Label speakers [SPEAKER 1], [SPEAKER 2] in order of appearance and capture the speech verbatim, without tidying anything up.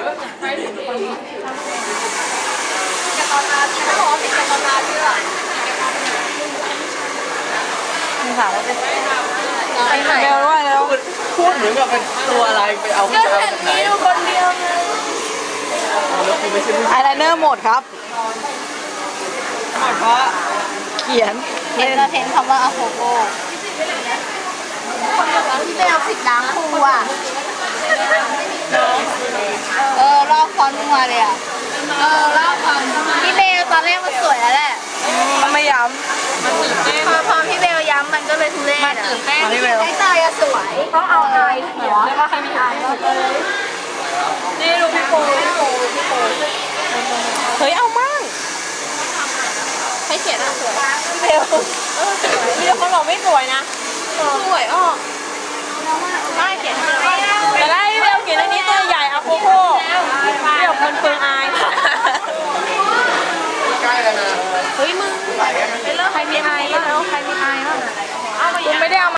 [SPEAKER 1] จะตอนนาที่เขาบอกว่าเป็นจะตอนนาที่อ่ะมึงถามว่าเป็นไปไหนเบลว่าแล้ว
[SPEAKER 2] พูดเหมือนกับเป็นตัวอะไรไปเอา
[SPEAKER 1] ก็เห็นมีอยู่คนเดียวไงไอไลเนอร์หมดครับหมดเพราะเขียนเห็นจะเห็นคำว่าอะโคโก้ที่ไปเอาสิบล้างครูอ่ะเออลอกฟอนต์มาเลยอ่ะเออลอกฟอนต์พี่เบลตอนแรกมันสวยแล้วแหละมันไม่ย้ำพอพอพี่เบลย้ำมันก็เลยทุเรศอ่ะพี่เบลไอ้ตายอะสวยต้องเอาอายหัวแล้วก็ให้มีอายนี่ดูพี่โปพี่โปพี่โปเฮ้ยเอามั่งให้เขียนอะสวยพี่เบลเออสวยพี่เบลเขาบอกไม่สวยนะสวยออกไม่เขียนแต่ได้พี่เบลเขียนอันนี้ตัวใหญ่อะโคโค่พี่เบลมันเปลืองอาย
[SPEAKER 2] ใกล้แล้วนะ
[SPEAKER 1] เฮ้ยมึงใครมีอายบ้างใครมีอายบ้างเอาไม่ได้เอา